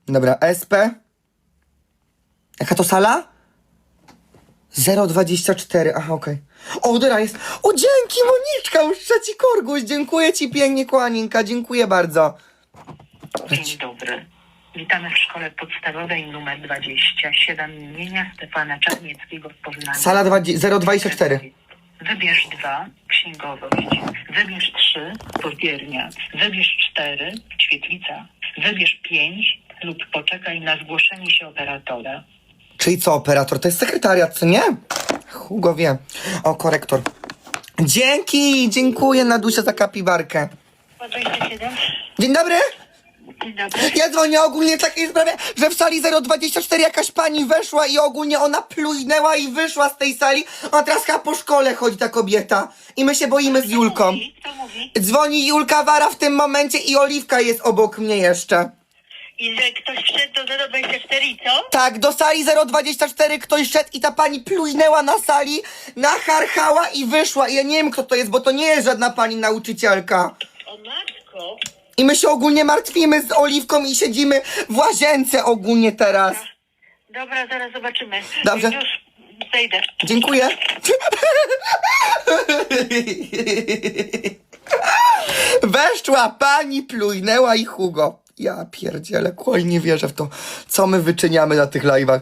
Dobra, SP. Jaka to sala? 024, aha, okej. O, dobra, jest. O, dzięki, Moniczka, już trzeci korguś. Dziękuję ci pięknie, kochaninka, dziękuję bardzo. Dzień dobry. Witamy w szkole podstawowej nr 27 imienia Stefana Czarnieckiego w Poznaniu. Sala 024. Wybierz 2, księgowość. Wybierz 3, portiernia. Wybierz 4, świetlica. Wybierz 5 lub poczekaj na zgłoszenie się operatora. Czyli co, operator? To jest sekretariat, co nie? Hugo wie. O, korektor. Dzięki, dziękuję, Nadusia, za kapibarkę. 27. Dzień dobry. Dzień dobry. Ja dzwonię ogólnie w takiej sprawie, że w sali 024 jakaś pani weszła i ogólnie ona plujnęła i wyszła z tej sali. Ona teraz chyba po szkole chodzi, ta kobieta. I my się boimy z Julką. Kto mówi? Dzwoni Julka Wara w tym momencie i Oliwka jest obok mnie jeszcze. I że ktoś wszedł do 024 i co? Tak, do sali 024 ktoś szedł i ta pani plujnęła na sali, nacharchała i wyszła. I ja nie wiem, kto to jest, bo to nie jest żadna pani nauczycielka. O matko. I my się ogólnie martwimy z Oliwką i siedzimy w łazience ogólnie teraz. Dobra, zaraz zobaczymy. Dobrze. Już zejdę. Dziękuję. Weszła pani, plujnęła i Hugo. Ja pierdzielę, kłoj, nie wierzę w to, co my wyczyniamy na tych live'ach.